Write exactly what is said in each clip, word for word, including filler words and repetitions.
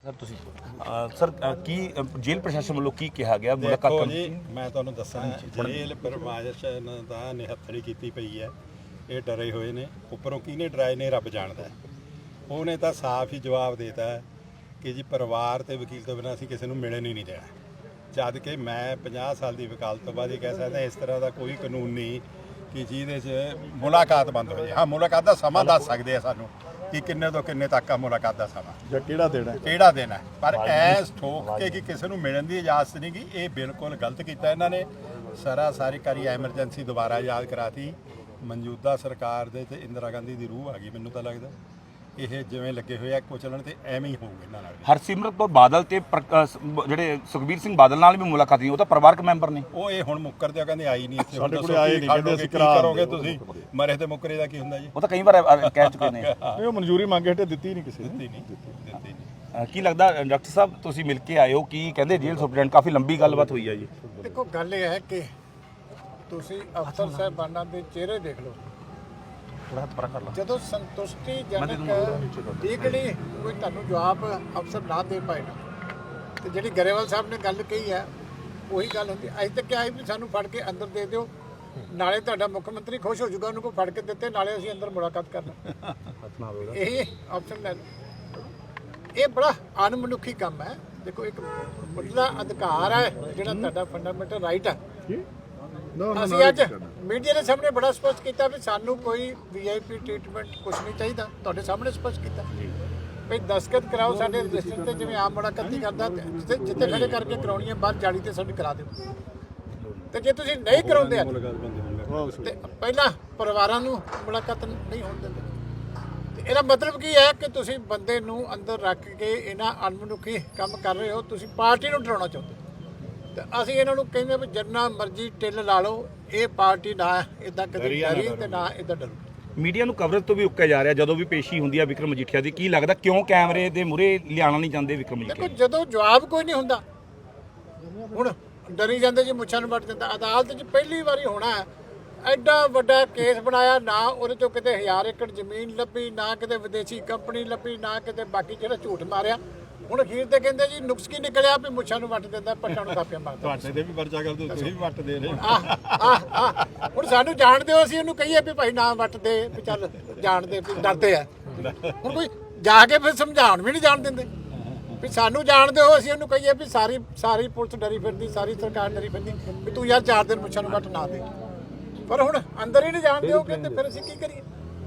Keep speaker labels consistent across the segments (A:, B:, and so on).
A: Sir ਤੁਸੀਂ sir ਕੀ ਜੇਲ੍ਹ ਪ੍ਰਸ਼ਾਸਨ ਵੱਲੋਂ ਕੀ ਕਿਹਾ ਗਿਆ ਮੁਲਾਕਾਤ
B: ਦੇਖੋ ਜੀ ਮੈਂ ਤੁਹਾਨੂੰ ਦੱਸਾਂ ਜੇਲ੍ਹ ਪ੍ਰਸ਼ਾਸਨ ਦਾ ਨਿਹੱਥੜੀ ਕੀਤੀ ਪਈ ਹੈ। ਇਹ ਡਰੇ ਹੋਏ ਨੇ, ਉੱਪਰੋਂ ਕਿਹਨੇ ਡਰਾਏ ਨੇ ਰੱਬ ਜਾਣਦਾ। ਉਹਨੇ ਤਾਂ ਸਾਫ਼ ਹੀ ਜਵਾਬ ਦੇਤਾ ਕਿ ਜੀ ਪਰਿਵਾਰ ਤੇ ਵਕੀਲ ਤੋਂ ਬਿਨਾਂ ਅਸੀਂ ਕਿਸੇ ਨੂੰ ਮਿਲਣ ਹੀ ਨਹੀਂ ਦੇਣਾ। ਜਦ ਕਿ ਮੈਂ ਪੰਜਾਹ ਸਾਲ ਦੀ ਵਕਾਲਤ ਤੋਂ ਬਾਅਦ ਇਹ ਕਹਿ ਸਕਦਾ ਇਸ ਤਰ੍ਹਾਂ ਦਾ ਕੋਈ ਕਾਨੂੰਨ ਨਹੀਂ ਕਿ ਜਿਹਦੇ 'ਚ ਮੁਲਾਕਾਤ ਬੰਦ ਹੋ ਜਾਏ। ਹਾਂ, ਮੁਲਾਕਾਤ ਦਾ ਸਮਾਂ ਦੱਸ ਸਕਦੇ ਆ ਸਾਨੂੰ ਕਿ ਕਿੰਨੇ ਤੋਂ ਕਿੰਨੇ ਤੱਕ ਆ ਮੁਲਾਕਾਤ ਦਾ ਸਮਾਂ
C: ਜਾਂ ਕਿਹੜਾ ਦੇਣਾ
B: ਕਿਹੜਾ ਦੇਣਾ, ਪਰ ਐਸ ਠੋਕ ਕੇ ਕਿ ਕਿਸੇ ਨੂੰ ਮਿਲਣ ਦੀ ਇਜਾਜ਼ਤ ਨਹੀਂ ਗੀ, ਇਹ ਬਿਲਕੁਲ ਗਲਤ ਕੀਤਾ ਇਹਨਾਂ ਨੇ। ਸਾਰਾ ਸਾਰੀ ਕਾਰੀ ਐਮਰਜੈਂਸੀ ਦੁਬਾਰਾ ਯਾਦ ਕਰਾਤੀ। ਮੌਜੂਦਾ ਸਰਕਾਰ ਦੇ ਤੇ ਇੰਦਰਾ ਗਾਂਧੀ ਦੀ ਰੂਹ ਆ ਗਈ ਮੈਨੂੰ ਤਾਂ ਲੱਗਦਾ। ਇਹ ਜਿਵੇਂ ਲੱਗੇ ਹੋਏ ਆ ਕੁਚਲਣ ਤੇ ਐਵੇਂ ਹੀ ਹੋਊਗਾ ਇਹਨਾਂ ਨਾਲ।
A: ਹਰਸਿਮਰਤ ਕੌਰ ਬਾਦਲ ਤੇ ਜਿਹੜੇ ਸੁਖਬੀਰ ਸਿੰਘ ਬਾਦਲ ਨਾਲ ਵੀ ਮੁਲਾਕਾਤ ਨਹੀਂ, ਉਹ ਤਾਂ ਪਰਿਵਾਰਕ ਮੈਂਬਰ ਨੇ।
B: ਉਹ ਇਹ ਹੁਣ ਮੁੱਕਰਦੇ ਆ, ਕਹਿੰਦੇ ਆਈ ਨਹੀਂ ਇੱਥੇ।
C: ਸਾਡੇ ਕੋਲ ਆਏ ਨਹੀਂ, ਕਹਿੰਦੇ ਅਸੀਂ ਕਰਾ
B: ਕਰੋਗੇ ਤੁਸੀਂ ਮਰੇ ਤੇ ਮੁੱਕਰੇ ਦਾ ਕੀ ਹੁੰਦਾ ਜੀ।
A: ਉਹ ਤਾਂ ਕਈ ਵਾਰ ਕਹਿ ਚੁੱਕੇ ਨੇ।
C: ਨਹੀਂ, ਉਹ ਮਨਜ਼ੂਰੀ ਮੰਗੇ ਹਟੇ ਦਿੱਤੀ ਨਹੀਂ ਕਿਸੇ ਨੇ।
B: ਦਿੱਤੀ ਨਹੀਂ ਦਿੱਤੀ ਨਹੀਂ।
A: ਕੀ ਲੱਗਦਾ ਡਾਕਟਰ ਸਾਹਿਬ ਤੁਸੀਂ ਮਿਲ ਕੇ ਆਏ ਹੋ, ਕੀ ਕਹਿੰਦੇ ਜੇਲ੍ਹ ਸੁਪਰਡੈਂਟ? ਕਾਫੀ ਲੰਬੀ ਗੱਲਬਾਤ ਹੋਈ ਹੈ ਜੀ।
D: ਦੇਖੋ ਗੱਲ ਇਹ ਹੈ ਕਿ ਤੁਸੀਂ ਅਫਸਰ ਸਾਹਿਬਾਨਾਂ ਦੇ ਚਿਹਰੇ ਦੇਖ ਲਓ, ਜਦੋਂ ਸੰਤੁਸ਼ਟੀਜਨਕ ਡੀਗੜੀ ਕੋਈ ਤੁਹਾਨੂੰ ਜਵਾਬ ਅਫਸਰ ਨਾ ਦੇ ਪਾਏ ਨਾ, ਤੇ ਜਿਹੜੀ ਗਰੇਵਾਲ ਸਾਹਿਬ ਨੇ ਗੱਲ ਕਹੀ ਹੈ ਉਹੀ ਗੱਲ ਹੁੰਦੀ। ਅੱਜ ਤੱਕ ਕਿਹਾ ਵੀ ਸਾਨੂੰ ਫੜ ਕੇ ਅੰਦਰ ਦੇ ਦਿਓ, ਨਾਲੇ ਤੁਹਾਡਾ ਮੁੱਖ ਮੰਤਰੀ ਖੁਸ਼ ਹੋ ਜਾਊਗਾ ਉਹਨੂੰ ਕੋਈ ਫੜ ਕੇ ਦਿੱਤੇ, ਨਾਲੇ ਅਸੀਂ ਅੰਦਰ ਮੁਲਾਕਾਤ ਕਰਨਾ। ਇਹ ਆਪਸ਼ਨ ਲੈ ਲਓ। ਇਹ ਬੜਾ ਅਣਮਨੁੱਖੀ ਕੰਮ ਹੈ। ਦੇਖੋ ਇੱਕ ਮੁੱਢਲਾ ਅਧਿਕਾਰ ਹੈ ਜਿਹੜਾ ਤੁਹਾਡਾ ਫੰਡਾਮੈਂਟਲ ਰਾਈਟ ਹੈ। ਅਸੀਂ ਅੱਜ ਮੀਡੀਆ ਦੇ ਸਾਹਮਣੇ ਬੜਾ ਸਪਸ਼ਟ ਕੀਤਾ ਵੀ ਸਾਨੂੰ ਕੋਈ ਵੀ ਆਈ ਪੀ ਟ੍ਰੀਟਮੈਂਟ ਕੁਝ ਨਹੀਂ ਚਾਹੀਦਾ। ਤੁਹਾਡੇ ਸਾਹਮਣੇ ਸਪਸ਼ਟ ਕੀਤਾ ਵੀ ਦਸਤਖਤ ਕਰਾਓ ਸਾਡੇ ਰਜਿਸਟਰ ਤੇ, ਜਿਵੇਂ ਆਮ ਮੁਲਾਕਾਤ ਕਰਦਾ ਜਿੱਥੇ ਜਿੱਥੇ ਖੜੇ ਕਰਕੇ ਕਰਾਉਣੀ ਹੈ ਬਾਹਰ ਜਾਲੀ ਤੇ ਸਾਡੀ ਕਰਾ ਦਿਓ। ਤੇ ਜੇ ਤੁਸੀਂ ਨਹੀਂ ਕਰਾਉਂਦੇ ਤੇ ਪਹਿਲਾਂ ਪਰਿਵਾਰਾਂ ਨੂੰ ਮੁਲਾਕਾਤ ਨਹੀਂ ਹੋਣ ਦਿੰਦੇ। ਤੇ ਇਹਦਾ ਮਤਲਬ ਕੀ ਹੈ ਕਿ ਤੁਸੀਂ ਬੰਦੇ ਨੂੰ ਅੰਦਰ ਰੱਖ ਕੇ ਇਹਨਾਂ ਅਣਮਨੁੱਖੀ ਕੰਮ ਕਰ ਰਹੇ ਹੋ। ਤੁਸੀਂ ਪਾਰਟੀ ਨੂੰ ਡਰਾਉਣਾ ਚਾਹੁੰਦੇ। ਤੇ ਅਸੀਂ ਇਹਨਾਂ ਨੂੰ ਕਹਿੰਦੇ ਵੀ ਜਿੰਨਾ ਮਰਜ਼ੀ ਟਿੱਲ ਲਾ ਲਓ, ਇਹ ਪਾਰਟੀ ਨਾ ਇਦਾਂ ਕਦੇ ਡਰੀ ਤੇ ਨਾ ਇਦਾਂ ਡਰੂ।
A: ਮੀਡੀਆ ਨੂੰ ਕਵਰੇਜ ਤੋਂ ਵੀ ਉੱਕਿਆ ਜਾ ਰਿਹਾ ਜਦੋਂ ਵੀ ਪੇਸ਼ੀ ਹੁੰਦੀ ਹੈ ਵਿਕਰਮ ਮਜੀਠੀਆ ਦੀ। ਕੀ ਲੱਗਦਾ ਕਿਉਂ ਕੈਮਰੇ ਦੇ ਮੂਹਰੇ ਲਿਆਉਣਾ ਨਹੀਂ ਚਾਹੁੰਦੇ ਵਿਕਰਮ ਮਜੀਠੀਆ?
D: ਦੇਖੋ ਜਦੋਂ ਜਵਾਬ ਕੋਈ ਨਹੀਂ ਹੁੰਦਾ, ਹੁਣ ਡਰੀ ਜਾਂਦੇ ਜੀ ਮੁੱਛਾਂ ਨੂੰ ਵੱਟ ਦਿੰਦਾ। ਅਦਾਲਤ 'ਚ ਪਹਿਲੀ ਵਾਰੀ ਹੋਣਾ ਹੈ ਐਡਾ ਵੱਡਾ ਕੇਸ ਬਣਾਇਆ, ਨਾ ਉਹਦੇ ਚੋਂ ਕਿਤੇ ਹਜ਼ਾਰ ਏਕੜ ਜ਼ਮੀਨ ਲੱਭੀ, ਨਾ ਕਿਤੇ ਵਿਦੇਸ਼ੀ ਕੰਪਨੀ ਲੱਭੀ, ਨਾ ਕਿਤੇ ਬਾਕੀ ਜਿਹੜਾ ਝੂਠ ਮਾਰਿਆ। ਹੁਣ ਅਖੀਰ ਤੇ ਕਹਿੰਦੇ ਜੀ ਨੁਕਸ ਕੀ ਨਿਕਲਿਆ ਵੀ ਮੁੱਛਾਂ ਨੂੰ ਵੱਟ ਦਿੰਦਾ, ਪੱਟਾਂ ਨੂੰ ਕਾਪੀਆਂ ਮਾਰਦਾ।
B: ਤੁਹਾਡੇ ਤੇ ਵੀ ਪਰਚਾ ਕਰਦੇ, ਤੁਸੀਂ ਵੀ ਵੱਟ ਦੇ ਰਹੇ।
D: ਆਹ ਆਹ ਆਹ ਹੁਣ ਸਾਨੂੰ ਜਾਣ ਦਿਓ, ਅਸੀਂ ਉਹਨੂੰ ਕਹੀਏ ਵੀ ਭਾਈ ਨਾ ਵੱਟ ਦੇ, ਵੀ ਚੱਲ ਜਾਣ ਦੇ, ਵੀ ਡਰਦੇ ਆ। ਹੁਣ ਕੋਈ ਜਾ ਕੇ ਫਿਰ ਸਮਝਾਉਣ ਵੀ ਨਹੀਂ ਜਾਣ ਦਿੰਦੇ ਵੀ ਸਾਨੂੰ ਜਾਣ ਦਿਓ। ਅਸੀਂ ਉਹਨੂੰ ਕਹੀਏ ਵੀ ਸਾਰੀ ਸਾਰੀ ਪੁਲਿਸ ਡਰੀ ਫਿਰਦੀ, ਸਾਰੀ ਸਰਕਾਰ ਡਰੀ ਫਿਰਦੀ ਵੀ ਤੂੰ ਯਾਰ ਚਾਰ ਦਿਨ ਮੁੱਛਾਂ ਨੂੰ ਵੱਟ ਨਾ ਦੇ। ਪਰ ਹੁਣ ਅੰਦਰ ਹੀ ਨਹੀਂ ਜਾਣ ਦਿਓਗੇ ਤੇ ਫਿਰ ਅਸੀਂ ਕੀ ਕਰੀਏ?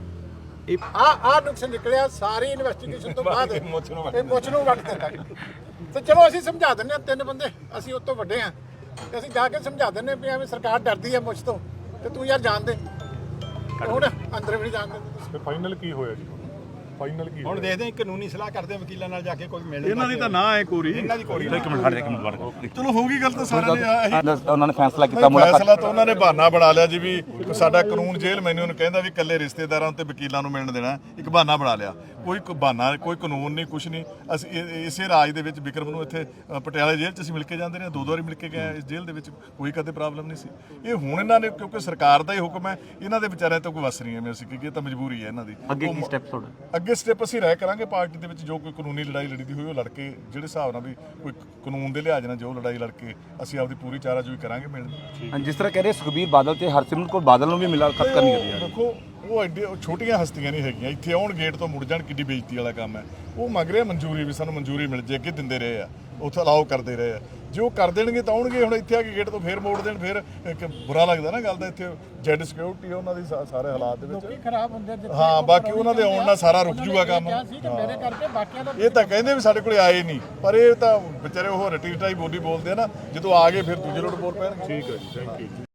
D: ਆ ਆ ਨੁਕਸ ਨਿਕਲਿਆ ਸਾਰੀ ਇਨਵੈਸਟੀਗੇਸ਼ਨ ਤੋਂ ਬਾਅਦ ਇਹ ਮੁੱਛ ਨੂੰ ਵੱਟ ਦਿੰਦਾ। ਤੇ ਚਲੋ ਅਸੀਂ ਸਮਝਾ ਦਿੰਦੇ ਹਾਂ, ਤਿੰਨ ਬੰਦੇ ਅਸੀਂ ਉਸ ਤੋਂ ਵੱਡੇ ਹਾਂ, ਤੇ ਅਸੀਂ ਜਾ ਕੇ ਸਮਝਾ ਦਿੰਦੇ ਵੀ ਐਵੇਂ ਸਰਕਾਰ ਡਰਦੀ ਹੈ ਮੁੱਛ ਤੋਂ, ਤੇ ਤੂੰ ਯਾਰ ਜਾਣ ਦੇ। ਹੁਣ ਅੰਦਰ ਵੀ ਨਹੀਂ ਜਾਣ ਦਿੰਦੇ।
C: ਫਾਈਨਲ ਕੀ ਹੋਇਆ ਜੀ? ਫਾਈਨਲ ਕੀ
B: ਹੁਣ ਦੇਖਦੇ ਹਾਂ ਕਾਨੂੰਨੀ ਸਲਾਹ ਕਰਦੇ ਵਕੀਲਾਂ ਨਾਲ ਜਾ ਕੇ ਕੋਈ ਮਿਲਣ।
C: ਇਹਨਾਂ ਦੀ ਤਾਂ ਨਾ ਹੈ ਕੋਰੀ,
B: ਇਹਨਾਂ ਦੀ ਕੋਰੀ।
A: ਇੱਕ ਮਿੰਟ, ਇੱਕ ਮਿੰਟ।
C: ਚਲੋ ਹੋਊਗੀ ਗੱਲ ਤਾਂ ਸਾਰਿਆਂ ਨੇ।
A: ਉਹਨਾਂ ਨੇ ਫੈਸਲਾ ਕੀਤਾ ਮੁਲਾਕਾਤ।
C: ਫੈਸਲਾ ਤਾਂ ਉਹਨਾਂ ਨੇ ਬਹਾਨਾ ਬਣਾ ਲਿਆ ਜੀ ਵੀ ਸਾਡਾ ਕਾਨੂੰਨ ਜੇਲ੍ਹ ਮੈਨੂੰ ਨੂੰ ਕਹਿੰਦਾ ਵੀ ਇਕੱਲੇ ਰਿਸ਼ਤੇਦਾਰਾਂ ਤੇ ਵਕੀਲਾਂ ਨੂੰ ਮਿਲਣ ਦੇਣਾ। ਇੱਕ ਬਹਾਨਾ ਬਣਾ ਲਿਆ, ਕੋਈ ਬਹਾਨਾ ਕੋਈ ਕਾਨੂੰਨ ਨਹੀਂ, ਕੁਛ ਨਹੀਂ। ਅਸੀਂ ਇਸੇ ਰਾਜ ਦੇ ਵਿੱਚ ਵਿਕਰਮ ਨੂੰ ਇੱਥੇ ਪਟਿਆਲਾ ਜੇਲ੍ਹ 'ਚ ਅਸੀਂ ਮਿਲ ਕੇ ਜਾਂਦੇ ਰਹੇ, ਦੋ ਦੋ ਵਾਰੀ ਮਿਲ ਕੇ ਗਏ ਇਸ ਜੇਲ੍ਹ ਦੇ ਵਿੱਚ, ਕੋਈ ਕਦੇ ਪ੍ਰੋਬਲਮ ਨਹੀਂ ਸੀ। ਇਹ ਹੁਣ ਇਹਨਾਂ ਨੇ ਕਿਉਂਕਿ ਸਰਕਾਰ ਦਾ ਹੀ ਹੁਕਮ ਹੈ, ਇਹਨਾਂ ਦੇ ਵਿਚਾਰਿਆਂ ਤੋਂ ਕੋਈ ਵਸ ਨਹੀਂ ਐਵੇਂ ਅਸੀਂ ਕਿ ਇਹ ਤਾਂ ਮਜਬੂਰੀ ਹੈ ਇਹਨਾਂ ਦੀ।
A: ਅੱਗੇ ਕੀ ਸਟੈਪ ਤੁਹਾਡਾ?
C: ਅੱਗੇ ਸਟੈਪ ਅਸੀਂ ਰਾਇ ਕਰਾਂਗੇ ਪਾਰਟੀ ਦੇ ਵਿੱਚ, ਜੋ ਕੋਈ ਕਾਨੂੰਨੀ ਲੜਾਈ ਲੜੀ ਹੋਈ ਉਹ ਲੜ ਕੇ, ਜਿਹੜੇ ਹਿਸਾਬ ਨਾਲ ਵੀ ਕੋਈ ਕਾਨੂੰਨ ਦੇ ਲਿਹਾਜ਼ ਨਾਲ ਜੋ ਲੜਾਈ ਲੜ ਕੇ ਅਸੀਂ ਆਪਦੀ ਪੂਰੀ ਚਾਰਾਜੋਈ ਕਰਾਂਗੇ ਮਿਲਣ।
A: ਜਿਸ ਤਰ੍ਹਾਂ ਕਹਿ ਰਹੇ ਸੁਖਬੀਰ ਬਾਦਲ ਤੇ ਹਰਸਿਮਰਤ ਕੌਰ ਬਾਦਲ ਨੂੰ ਵੀ ਮੁਲਾਕਾਤ ਕਰਨੀ ਹੈ।
C: ਦੇਖੋ ਉਹ ਐਡੇ ਛੋਟੀਆਂ ਹਸਤੀਆਂ ਨਹੀਂ ਹੈਗੀਆਂ, ਇੱਥੇ ਆਉਣ ਗੇਟ ਤੋਂ ਮੁੜ ਜਾਣ, ਕਿੱਡੀ ਬੇਇੱਜ਼ਤੀ ਵਾਲਾ ਕੰਮ ਹੈ। ਉਹ ਮੰਗ ਰਿਹਾ ਮਨਜ਼ੂਰੀ ਵੀ ਸਾਨੂੰ ਮਨਜ਼ੂਰੀ ਮਿਲ ਜੇ, ਅੱਗੇ ਦਿੰਦੇ ਰਹੇ ਆ, ਉੱਥੇ ਅਲਾਓ ਕਰਦੇ ਰਹੇ ਆ। ਜੇ ਉਹ ਕਰ ਦੇਣਗੇ ਤਾਂ ਆਉਣਗੇ, ਹੁਣ ਇੱਥੇ ਆ ਕੇ ਗੇਟ ਤੋਂ ਫੇਰ ਮੋੜ ਦੇਣ, ਫਿਰ ਇੱਕ ਬੁਰਾ ਲੱਗਦਾ ਨਾ ਗੱਲ ਦਾ। ਇੱਥੇ ਜੈਡ ਸਿਕਿਉਰਿਟੀ ਉਹਨਾਂ ਦੀ ਸਾਰੇ ਹਾਲਾਤ ਦੇ ਵਿੱਚ
D: ਖਰਾਬ ਹੁੰਦੇ।
C: ਹਾਂ, ਬਾਕੀ ਉਹਨਾਂ ਦੇ ਆਉਣ ਨਾਲ ਸਾਰਾ ਰੁਕ ਜੂਗਾ ਕੰਮ।
D: ਮੇਰੇ ਕਰਕੇ ਬਾਕੀਆਂ ਦਾ
C: ਇਹ ਤਾਂ ਕਹਿੰਦੇ ਵੀ ਸਾਡੇ ਕੋਲੇ ਆਏ ਨਹੀਂ, ਪਰ ਇਹ ਤਾਂ ਵਿਚਾਰੇ ਉਹ ਰਟੀ ਰਟਾਈ ਬੋਲੀ ਬੋਲਦੇ ਆ ਨਾ, ਜਦੋਂ ਆ ਗਏ ਫਿਰ ਦੂਜੇ ਲੋਟ ਬੋਲ ਪੈਣਗੇ। ਠੀਕ ਹੈ ਜੀ, ਥੈਂਕ ਯੂ।